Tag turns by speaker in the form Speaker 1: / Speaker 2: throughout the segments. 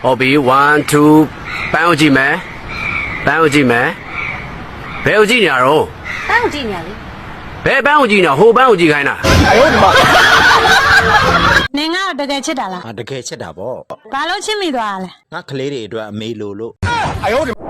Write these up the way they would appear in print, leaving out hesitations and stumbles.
Speaker 1: ဟုတ်ပြီ1 2ပန်းကိုကြည့်မယ်ပန်းကိုကြည့်မယ်ဘယ်ကိုကြည့်နေရတော့
Speaker 2: ပန်းကိုကြည့်နေရလေ
Speaker 1: ဘယ်ပန်းကိုကြည့်နေဟိုပန်းကိုကြည့်ခိုင်းတာ
Speaker 3: 哎呦我的妈！
Speaker 2: နင်ကတော့တကယ်ချစ်တာလား
Speaker 4: ငါတကယ်ချက်တာဗော
Speaker 2: ဘာလို့ချစ်မိသွားလဲ
Speaker 4: ငါကလေးတွေအတွက်အမေလိုလို့
Speaker 3: 哎呦我的妈！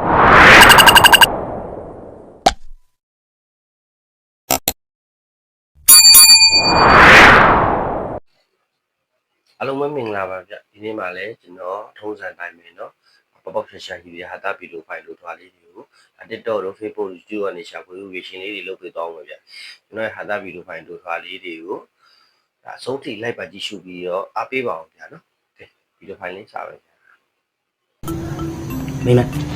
Speaker 5: အားလုံးပဲမင်္ဂလာပါဗျဒီနေ့မှလည်းကျွန်တော်ထုံးစံတိုင်းပဲเนาะပေါပေါရှာရှာကြီးတွေဟာတာဗီဒီယိုဖိုင်လို့ထွားလေးတွေကို TikTok တို့ Facebook တို့ YouTube ကနေရှာဖွေလို့ရရှင်လေးတွေလုပ်ပေးသွားအောင်ဗျကျွန်တော်ရဲ့ဟာတာဗီဒီယိုဖိုင်တို့ထွားလေးတွေကိုဒါအဆုံးထိလိုက်ပါကြည့်ရှုပြီးတော့အားပေးပါအောင်ဗျာเนาะကဲဗီဒီယိုဖိုင်လေးရှာပါဗျာ
Speaker 4: မင်း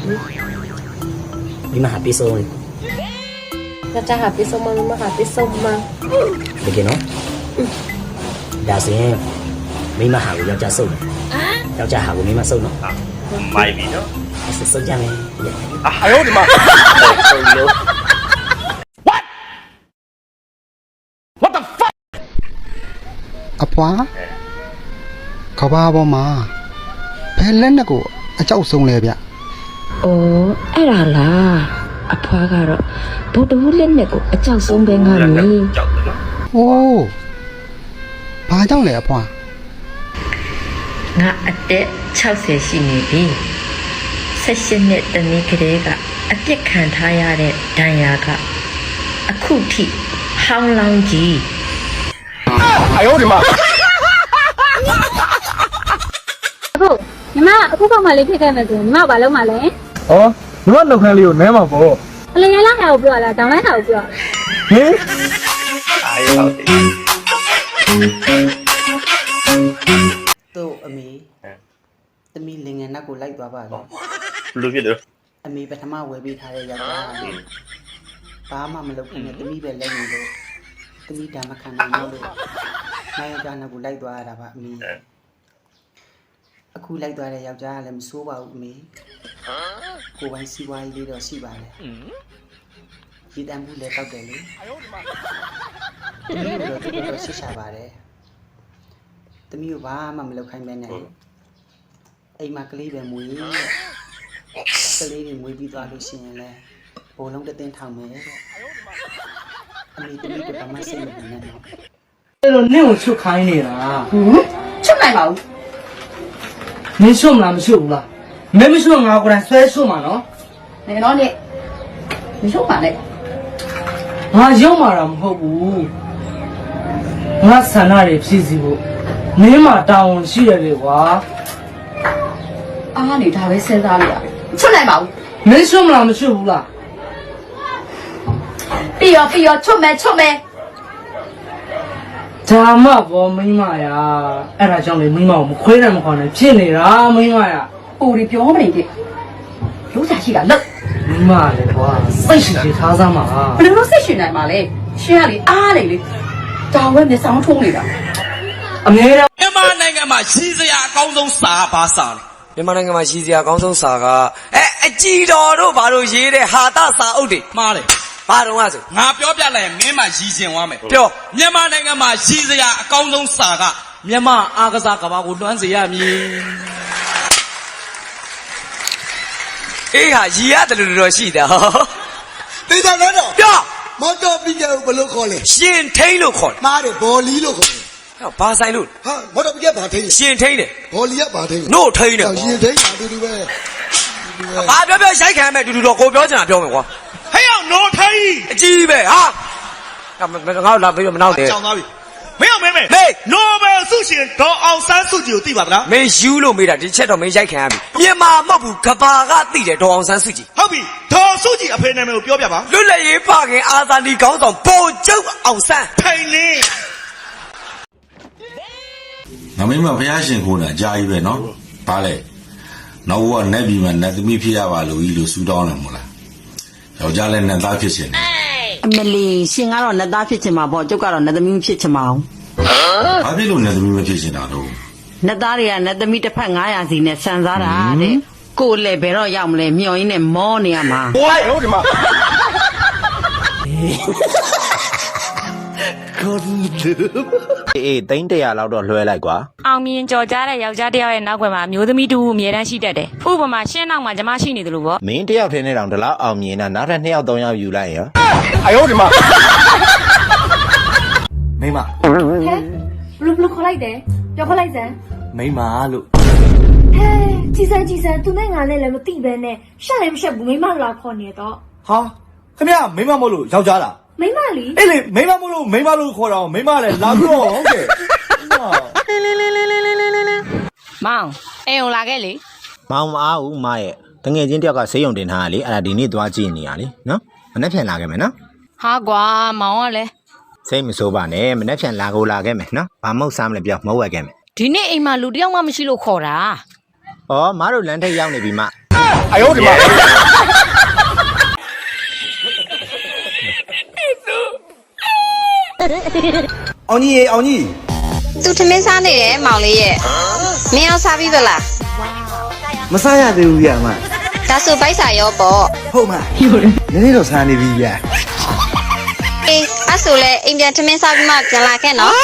Speaker 4: မဟာပေးဆုံးလေ
Speaker 2: ကြဟာပေးဆုံးမမဟာပေးဆုံးမ
Speaker 4: တကယ်နော်ဒါဆိုရင်မိမဟာကိုယောက်ျားစုပ်တယ်ယောက်ျားဟာကိုမိမစုပ်တော့
Speaker 5: မိုက်ပြီเนาะ
Speaker 4: စုပ်ကြမယ်
Speaker 3: 哎呦我的妈！
Speaker 6: အဖွာကဘာပေါ်မှာဘယ်လက်နဲ့ကိုအကြောက်ဆုံးလဲဗျ
Speaker 7: ။အော်အဲ့ဒါလား။အဖွားကတော့ဗုဒ္ဓဟူးလက်နဲ့ကိုအကြောက်ဆုံးပဲငါမီး
Speaker 5: ကြောက်တယ်เนาะ
Speaker 6: ဟိုးဘာကြောင့်လဲအဖွာ
Speaker 7: ငါအသက်60ရှိနေပြီ။16နှစ်တနည်းကလေးကအပြစ်ခံထားရတဲ့ဒဏ်ရာကအခုထိဟောင်းလောင်းကြီး
Speaker 3: 哎呦我的妈！
Speaker 2: အခုညီမအခုကောင်မလေးဖြစ်ခဲ့မယ်ဆိုရင်ညီမဘာလုပ်မှာလဲ
Speaker 3: 哦，你妈老看里有奶嘛不？
Speaker 2: အလင်းရလာဟာကိုပြောလားဒေါင်းလိုက်ဟာကိုပြော
Speaker 3: 嘿？
Speaker 5: အားရဟုတ်တယ်
Speaker 8: တို့အမေသမီးလင်ငယ်နတ်ကိုလိုက်သွားပါလေ
Speaker 5: လူဖြစ်တယ်
Speaker 8: အမေပထမဝယ်ပေးထားတဲ့ယောက်ျားဘာမှမလုပ်ခင်နဲ့သမီးပဲလက်နေလို့သမီးဓမ္မခံနိုင်လို့နိုင်ယောက်ျားနတ်ကိုလိုက်သွားရတာပါအမေအခုလိုက်သွားတဲ့ယောက်ျားကလည်းမဆိုးပါဘူးအမေကိုယ်ပိုင်စီးပွားရေးလေးတော့ရှိပါတယ်ရည်တမ်းမှုလည်းတောက်တယ်လေသမီးတို့တော့ဆစ်ရှာပါတယ်သမီးကိုဘာမှမလုပ်ခိုင်းမဲနဲ့အိမ်မှာကလေးပဲမွေးကလေးတွေမွေးပြီးသွားလို့ရှိရင်လည်းဘိုးလုံးတသိန်းထောင်မယ်တဲ့အမေသမီးကဘာမှစိတ်မဝင်နဲ့တော့
Speaker 9: အဲ့တော့နင့်ကိုချုပ်ခိုင်းနေတာ
Speaker 8: ချုပ်နိုင်ပါဘူး
Speaker 9: နင်းချုပ်မလားမချုပ်ဘူးလားမင်းမချုပ်ငါကိုယ်တိုင်ဆွဲချုပ်မှာနော်
Speaker 8: နေတော့နေမချုပ်ပါနဲ့
Speaker 9: ငါရုံမာတာမဟုတ်ဘူးငါဆန္ဒတွေဖြည့်စီဖို့မင်းမတာဝန်ရှိရတယ်ကွာ
Speaker 8: အားနေဒါပဲစဉ်းစားလို့ရတယ်ချုပ်နိုင်ပါဘူး
Speaker 9: မင်းချုပ်မလားမချုပ်ဘူးလား
Speaker 8: ပြီးရောချုပ်မယ်
Speaker 9: ဒါမှဘောမိမရအဲ့ဒါကြောင့်လေမိမကိုမခွေးနဲ့မခွာနဲ့ဖြစ်နေတာမိမရ
Speaker 8: ပူရီပြောမနေတဲ့လို့စားရှိတာလို့
Speaker 9: မိမလည်းကွာစိတ်ရှိထားစမ်းပါ
Speaker 8: ဘယ်လိုစိတ်ရှင်နိုင်မှာလဲရှင်ကလေအားလေတောင်ဝဲမျက်စောင်းထုံးနေတာ
Speaker 9: အမြဲတမ်း
Speaker 10: မြန်မာနိုင်ငံမှာရှိစရာအကောင်းဆုံးစာဘာစာလဲမြန်မာနိုင်ငံမှာရှိစရာအကောင်းဆုံးစာကအကြည်တော်တို့ဘာလို့ရေးတဲ့ဟာတစာအုပ်တွေမှားတယ်ဘာတော့ဆိုငါပြောပြလိုက်ရင်မင်းမရည်စင်သွားမယ်ပြောမြန်မာနိုင်ငံမှာရှိစရာအကောင်းဆုံးစာကမြန်မာအားကစားကဘာကိုလွှမ်းစေရမည်အေးဟာရည်ရတယ်လို့တော့ရှိတယ်ဟော
Speaker 11: တေချာတော့
Speaker 10: ပြော
Speaker 11: မော်တော်ပြီးကြဘလို့ခေါ်လဲ
Speaker 10: ရှင်ထိန်လို့ခေါ်တယ်
Speaker 11: မားတယ်ဘော်လီလို့ခေါ်တယ်
Speaker 10: ဟောဘာဆိုင်လို့
Speaker 11: ဟာမော်တော်ပြီးကြဘာထိန်
Speaker 10: ရှင်ထိန်တယ်
Speaker 11: ဘော်လီကဘာထိန်
Speaker 10: နို့ထိန်တယ်
Speaker 11: ရှင်ထိန်တာတူတူပဲ
Speaker 10: ဘာပြောရိုက်ခံမယ်တူတူတော့ကိုပြောချင်တာပြောမယ်ကွာဟဲ့အောင်နို့ထိန်အကြီးပဲဟာငါ့လာပြီးတော့မနောက်တယ်
Speaker 11: ကြောင်သွားပြီ
Speaker 10: မင်းအောင်မေးနိုဘယ်ဆုရှင်ဒေါ်အောင်ဆန်းစုကြည်ကိုသိပါဗလားမင်းယူလို့မေးတာဒီချက်တော့မင်းရိုက်ခံရပြီမြန်မာမဟုတ်ဘူးကဘာကသိတယ်ဒေါ်အောင်ဆန်းစုကြည်
Speaker 11: ဟုတ်ပြီဒေါ်စုကြည်အဖေနာမည်ကိုပြောပြပါ
Speaker 10: လွတ်လပ်ရေးဖခင်အာဇာနည်ခေါင်းဆောင်ဗိုလ်ချုပ်အောင်ဆန်း
Speaker 11: ထိုင်နေ
Speaker 12: ငါမင်းမဖျားရှင်ခိုးတာအကြာကြီးပဲနော်ဘာလဲနောက်ဘဝနဲ့ပြီးမှနတ်သမီးဖြစ်ရပါလို့ကြီးလို့ဆူတောင်းတယ်မို့လားယောက်ျားလည်းနတ်သားဖြစ်ရှင်တယ်
Speaker 8: အမလီရှင်ကတော့နတ်သားဖြစ်ချင်မှာပေါ့ကျုပ်ကတော့နတ်သမီးဖြစ်ချင်မှာအောင်
Speaker 12: ဘာဖြစ်လို့နတ်သမီးမဖြစ်ရှင်တာတော့
Speaker 8: နတ်သားတွေကနတ်သမီးတစ်ဖက်900စီနဲ့ဆန်စားတာတဲ့ကိုယ်လည်းဘယ်တော့ရောက်မလဲမျောရင်းနဲ့မောနေရမှာ
Speaker 3: 我哎呦我的妈！
Speaker 12: God
Speaker 13: အေးသိန်း100လောက်တော့လွှဲလိုက်ကွာ
Speaker 14: အောင်မြင်ကြော်ကြားတဲ့ယောက်ျားတစ်ယောက်ရဲ့နောက်ွယ်မှာမျိုးသမီးတူအမြဲတမ်းရှိတတ်တယ်ဥပမာရှင်းနောက်မှာကျမရှိနေတယ်လို့ပေါ့
Speaker 13: မင်းတယောက်ထဲနဲ့တောင်ဒီလောက်အောင်မြင်တာနောက်ထပ်2ယောက်3ယောက်ယူလိုက်ရော
Speaker 3: 哎呦我的妈！
Speaker 10: မိမ
Speaker 2: ဟဲဘလူခေါ်လိုက်တယ်ပြောခေါ်လိုက်စမ်း
Speaker 10: မိမလို့
Speaker 2: ဟဲကြည်စမ်းသူနဲ့ငါနဲ့လည်းမသိပဲနဲ့ရှက်လည်းမရှက်ဘူးမိမလာခေါ်နေတော့
Speaker 10: ဟာခင်ဗျာမိမမို့လို့ယောက်ျားလား
Speaker 2: မိမလီ
Speaker 10: အေးလေမိမမို့လို့မိမလို့ခေါ်တော့မိမလည်းလာပြီးတော့ဟုတ်ကဲ့
Speaker 14: မောင်အိမ်ုံလာခဲ့လေ
Speaker 13: မောင်မအားဘူးမရဲ့တငယ်ချင်းတယောက်ကဆေးရုံတင်ထားတာလေအဲ့ဒါဒီနေ့သွားကြည့်နေရလေနော်မနေ့ပြန်လာခဲ့မယ်နော်
Speaker 14: ဟာကွာမောင်ကလည်း
Speaker 13: စိတ်မဆိုးပါနဲ့မနေ့ပြန်လာခဲ့မယ်နော်ဘာမဟုတ်စားမလဲပြောမဟုတ်ဝက်ခဲ့မယ်
Speaker 14: ဒီနေ့အိမ်မှာလူတစ်ယောက်မှမရှိလို့ခေါ်တာ
Speaker 13: ဩမတို့လမ်းထိပ်ရောက်နေပြီမ
Speaker 3: 哎呦我的妈！
Speaker 10: အောင်ကြီးရေအောင်ကြီး
Speaker 15: သူထမင်းစားနေတယ်မောင်လေးရဲ့မင်းအောင်စားပြီးသလား
Speaker 10: မစားရသေးဘူးဗျာမ
Speaker 15: ဒါဆိုပိုက်စာရောပေါ့
Speaker 10: ဟုတ်မနည်းနည်းတော့စားနေပြီဗျာ
Speaker 15: အေးအဲ့ဆိုလဲအိမ်ပြန်ထမင်းစားပြီးမှပြန်လာခဲ့နော်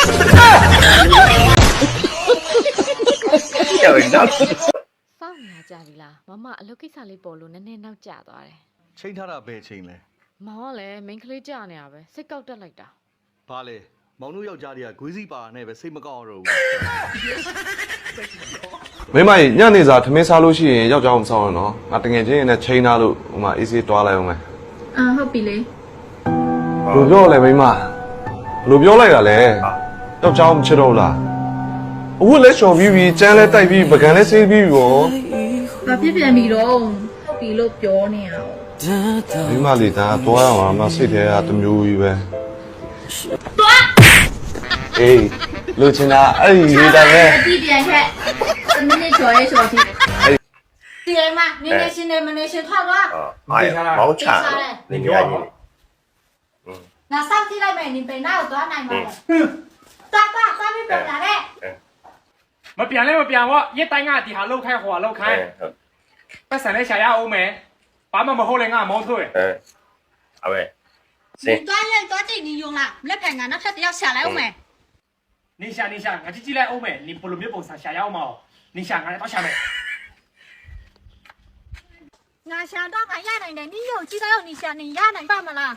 Speaker 5: ကြောက်တော့
Speaker 16: စောင့်နေကြပြီလားမမအလုပ်ကိစ္စလေးပေါ်လို့နည်းနည်းနောက်ကျသွားတယ်
Speaker 11: ချိန်ထားတာပဲချိန်လဲ
Speaker 16: မောင်ကလည်းမိန်းကလေးကြာနေရပဲစိတ်ကောက်တက်လိုက်တာ
Speaker 11: ဘာလဲမောင်တို့ယောက်ျားတွေကဂွေးစီပါနဲ့ပဲစိတ်မကောက်တော့ဘူး
Speaker 17: မိမညနေစာထမင်းစားလို့ရှိရင်ယောက်ျားမဆောင်ရနော်ငါတငယ်ချင်းရနဲ့ချိန်ထားလို့ဟိုမှာအေးဆေးတွားလိုက်အောင်မယ်
Speaker 2: ဟုတ်ပြီလေ
Speaker 17: ဘယ်လိုပြောလဲမိမဘယ်လိုပြောလိုက်တာလဲယောက်ျားမချစ်တော့လားအခုလဲချော်ပြီးပြီကျန်းလဲတိုက်ပြီးပကံလဲဆေးပြီးပြီရော
Speaker 2: ဘာဖြစ်ပြန်ပြီတော့ဟုတ်ပြီလို့ပြောနေရအောင်
Speaker 17: မိမလေးဒါတွားရအောင်မစိတ်ထဲကတမျိုးကြီးပဲအေးလူချင်တာအဲ့ဒီလေးတိုင်းပဲ
Speaker 2: အတိပြန်ခဲ့မနေ့ကျော်ရဲကျော်တိဒီမှာနင်းနေရှင်နေမနေရှင်ထွက်သွား
Speaker 5: မောင်းချနေကြကြီး
Speaker 2: ငါစောင့်ကြည့်လိုက်မယ်နင်ပေနာကိုသွားနိုင်ပါလားသွားပြီးပြန်လာတဲ့
Speaker 3: မပြန်လဲမပြန်ဘောရက်တိုင်းကဒီဟာလောက်ခိုင်းဟိုဟာလောက်ခိုင်းပတ်စံလဲရှာရအောင်မယ်ဘာမှမဟုတ်လဲငါမောင်းထုတ်ရ
Speaker 5: အဝဲ
Speaker 2: 你专业多进你用了，那边俺那他要下来没？
Speaker 3: 你想我去进来欧美你不如没本事下要嘛你想俺到下面
Speaker 2: 俺想到俺压人的，你有知道你想你压人干嘛啦？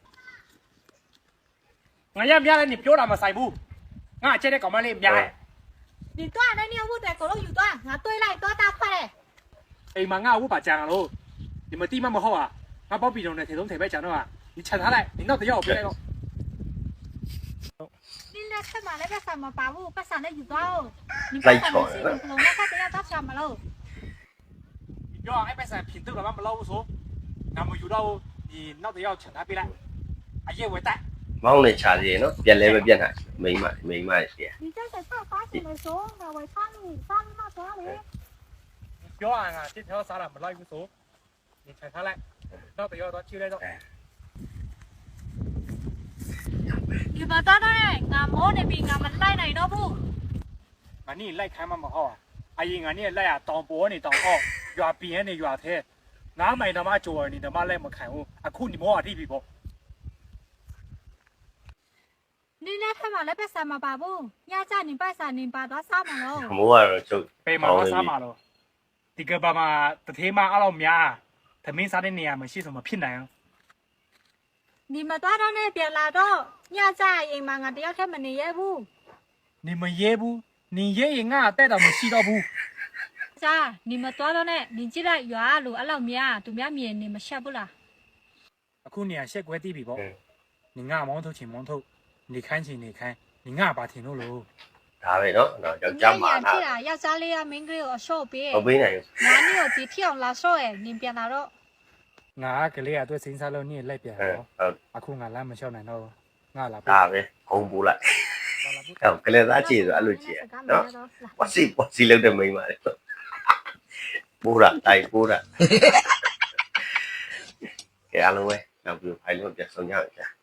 Speaker 3: 我要不要你表达么塞不我这里搞么哩不要
Speaker 2: 你断的你不得狗肉有断，俺对来多大块嘞？
Speaker 3: 哎妈我无把讲了你们地么好啊我包比中的铁东铁白讲的嘛你抢他来你到底要我别来咯
Speaker 2: 你那干嘛那个什么把物把啥的有断你把啥的是不弄那他得要到什么喽？
Speaker 3: 要哎白山品质了嘛不老说那么有到你到底要抢他别来哎呀我带
Speaker 5: မောင်းနေချာသေးနော်ပြန်လဲပဲပြန်နိုင်မိမကြီး
Speaker 2: 你这个上发现的时候，我看你那啥嘞？
Speaker 3: 表俺啊这条啥了没来不说你抢他来到底要到就来到
Speaker 2: 你把到那嘞，俺摸那边俺们来哪都不？
Speaker 3: 俺你来看嘛好啊阿姨俺你来啊当波你当好越边你越贴俺买他妈做你他妈来没看我啊哭你摸啊地皮不
Speaker 2: 你那他妈那边什么把物？要在你把啥你把多少嘛喽？
Speaker 5: မိုးကတော့ချုပ်
Speaker 3: 被妈妈杀嘛了这个爸妈的天妈阿老苗他没啥的年没是什么骗来啊
Speaker 2: 你们到那边来到，要在因嘛俺都要看么你也不？
Speaker 3: 你们也不你爷爷啊带到没洗到不
Speaker 2: 啥？你们到那呢？你记得有阿鲁阿老苗，都苗面你们下不啦？
Speaker 3: 哭你啊些怪地皮不你啊毛头请毛头你看起你看你啊把天路喽
Speaker 5: ဒါပဲနော်ယောက်ျားမှာ
Speaker 2: 你啦，要在里啊，明个我手边。
Speaker 5: မပေးနိုင်ဘူး
Speaker 2: 那你有几条拉手诶？你别拿着。
Speaker 3: ငါကလေးရအတွက်စဉ်းစားလို့နေလိုက်ပြန်တော့အခုငါလမ်းမလျှောက်နိုင်တော့ငါလာ
Speaker 5: ဒါပဲခုံးပိုးလိုက်အဲ့ကလေးသားကြည့်ဆိုအဲ့လိုကြည့်ရနော်ပွစီလောက်တဲ့မိန်းမလေးပိုးတာတိုက်ပိုးတာကဲအားလုံးပဲနောက်ပြီးဖိုင်လို့ပြန်ဆောင်ကြရအောင်